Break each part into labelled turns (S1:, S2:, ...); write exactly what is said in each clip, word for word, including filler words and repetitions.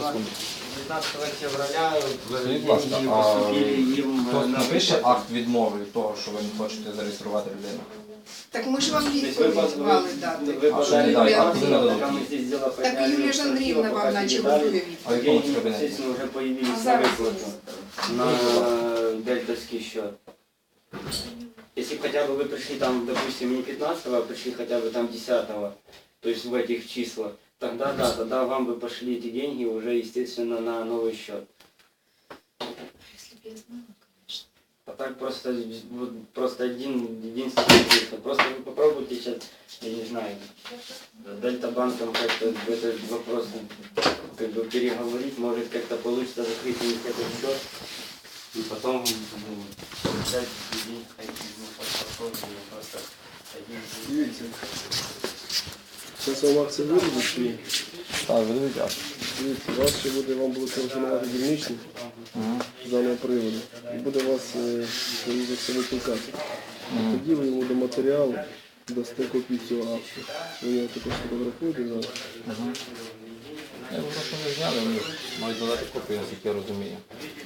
S1: секунду.
S2: дев'ятнадцятого февраля
S1: Скажіть, будь ласка,
S2: деньги
S1: а
S2: поступили їм
S1: хтось
S2: на
S1: напише
S2: виплату.
S1: акт відмови від того, що ви не хочете зареєструвати людину?
S3: Так ми ж вам
S2: Тобто ви
S3: відповідь
S2: пос-
S3: мали
S2: ви-
S3: дати.
S2: ви
S1: А що
S2: подали
S1: не дали? А
S2: заявку,
S1: куди надо
S2: пока
S1: дати?
S2: мы здесь дело
S3: Так
S2: подняли,
S3: Юлія ж Андріївна
S2: пока
S3: вам наче
S2: передали,
S3: готує
S1: А в
S3: відповідь.
S1: якому
S2: деньги,
S1: кабінеті?
S2: естественно, уже появились
S3: А
S2: на
S3: зараз
S2: выплату, на дельтовский счет. Если хотя бы вы пришли там, допустим, не пятнадцатого, а пришли хотя бы там десятого, то есть в этих числах, тогда да, тогда вам бы пошли эти деньги уже, естественно, на новый счет.
S4: Если бы я знала, конечно.
S2: А так просто, вот, просто один, единственный цифр. Просто вы попробуйте сейчас, я не знаю, Дельта банком как-то этот вопрос как бы переговорить, может как-то получится закрыть у них этот счет. И потом ну, взять деньги, ну, просто один
S5: Дивіться. Зараз вам акція виробить чи ні?
S1: Так, видадуть акт.
S5: Дивіться, у вас ще буде, вам буде телефонувати дільничний з даного приводу. І буде вас е, за це викликати. Тоді ви йому до матеріалу дасте копію цього акту. Ви його також фотографуєте зараз.
S1: Я його просто не зняли, вони мають додати копію, наскільки я розумію.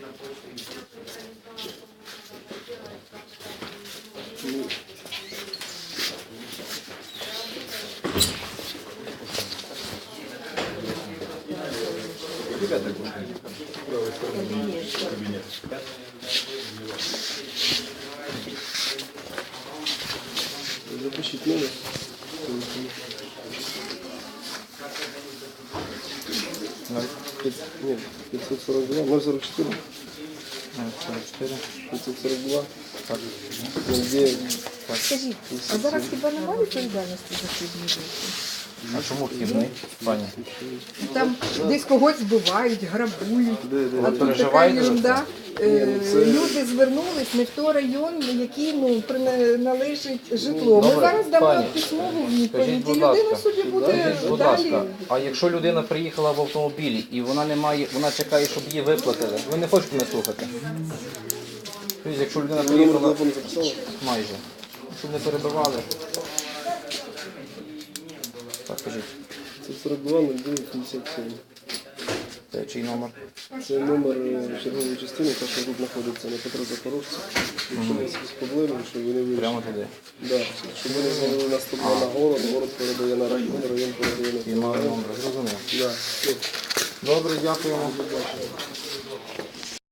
S5: Запишіть номер. Ні, п'ятсот сорок два, ноль сорок чотири,
S1: сорок чотири.
S5: п'ятсот сорок два, ноль дев'ять.
S4: Скажіть, а зараз хіба немає відповідальності за хибні дії?
S1: А чому хибний, пані?
S4: Там десь когось збивають, грабують.
S5: Де, де,
S4: А
S5: де?
S4: тут така
S1: переживаєте за
S4: ерунда. Е,
S5: Ні, це-
S4: Люди звернулись не в той район, який ну, прина- належить житло. Ми
S1: Добре,
S4: зараз дамо
S1: пані,
S4: письмову
S1: скажіть,
S4: відповідь,
S1: будь
S4: і людина
S1: ласка,
S4: собі буде
S1: Скажіть, будь
S4: далі.
S1: ласка, а якщо людина приїхала в автомобілі і вона не має, вона чекає, щоб її виплатили, ви не хочете мене слухати? Тобто, якщо людина
S5: Ви номер
S1: приїхала
S5: телефону записали?
S1: майже, щоб не перебивали. Так, кажіть,
S5: п'ятсот сорок два, ноль дев'ять, п'ятдесят сім.
S1: це чий номер?
S5: Це номер е, чергової частини, та що тут знаходиться на Петра Запорожця. Якщо у вас якісь проблеми, щоб вони вирішили.
S1: Прямо туди.
S5: Да, щоб вони звалили на сто два на город, город передає на район, район передає на
S1: І має номер, зрозумів.
S5: Да.
S1: Добре, дякуємо.